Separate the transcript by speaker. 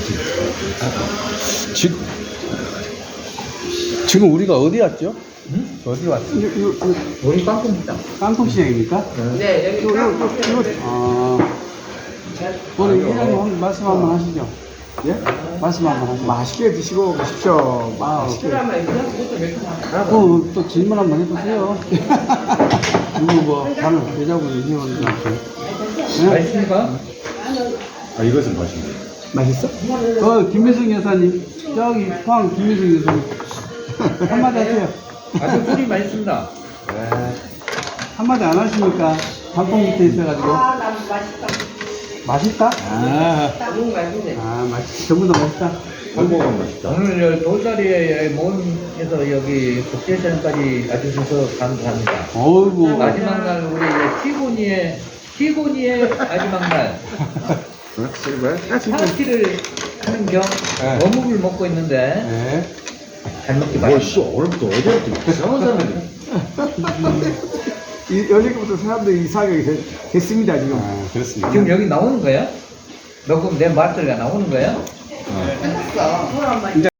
Speaker 1: 지금 우리가 어디 왔죠? 응? 어디 왔죠?
Speaker 2: 우리 깡통시장.
Speaker 1: 깡통시장입니까?
Speaker 2: 네, 여기 깡통.
Speaker 1: 오늘 회장님 한번 말씀 한번 하시죠. 예? 말씀 한번 하시죠.
Speaker 3: 맛있게 드시고 가십시오. 맛있게.
Speaker 1: 또 질문 한번 해보세요. 누구 뭐 다른 여자분이 회원들한테. 네?
Speaker 2: 맛있습니까?
Speaker 3: 아, 이것은 맛있네.
Speaker 1: 맛있어? 김민승 여사님, 저기 포항 김민승 여사님 한마디 하세요.
Speaker 2: 아주 꿀이 맛있습니다.
Speaker 1: 한마디 안 하시니까 단풍 밑에 있어가지고.
Speaker 4: 난 맛있다.
Speaker 1: 맛있다?
Speaker 4: 너무 맛있네.
Speaker 1: 맛있. 전부 다 맛있다.
Speaker 3: 한국은 맛있다.
Speaker 2: 오늘 저 돌다리에 모험에서 여기 국제시장까지 와주셔서 감사합니다.
Speaker 1: 어이구.
Speaker 2: 마지막 날 우리 시고니의 마지막 날 파티를 하는 겸
Speaker 1: 네.
Speaker 2: 어묵을 먹고 있는데
Speaker 1: 네.
Speaker 2: 잘 먹기
Speaker 3: 뭘
Speaker 2: 바랍니다.
Speaker 3: 씨, 오늘부터 어제부터 이상한 사람들이.
Speaker 5: 어저께부터 사람들이 이상하게 됐습니다, 지금.
Speaker 1: 그렇습니다.
Speaker 2: 지금 여기 나오는 거야? 녹음 내 말소리가 나오는 거야?
Speaker 4: 끝났어.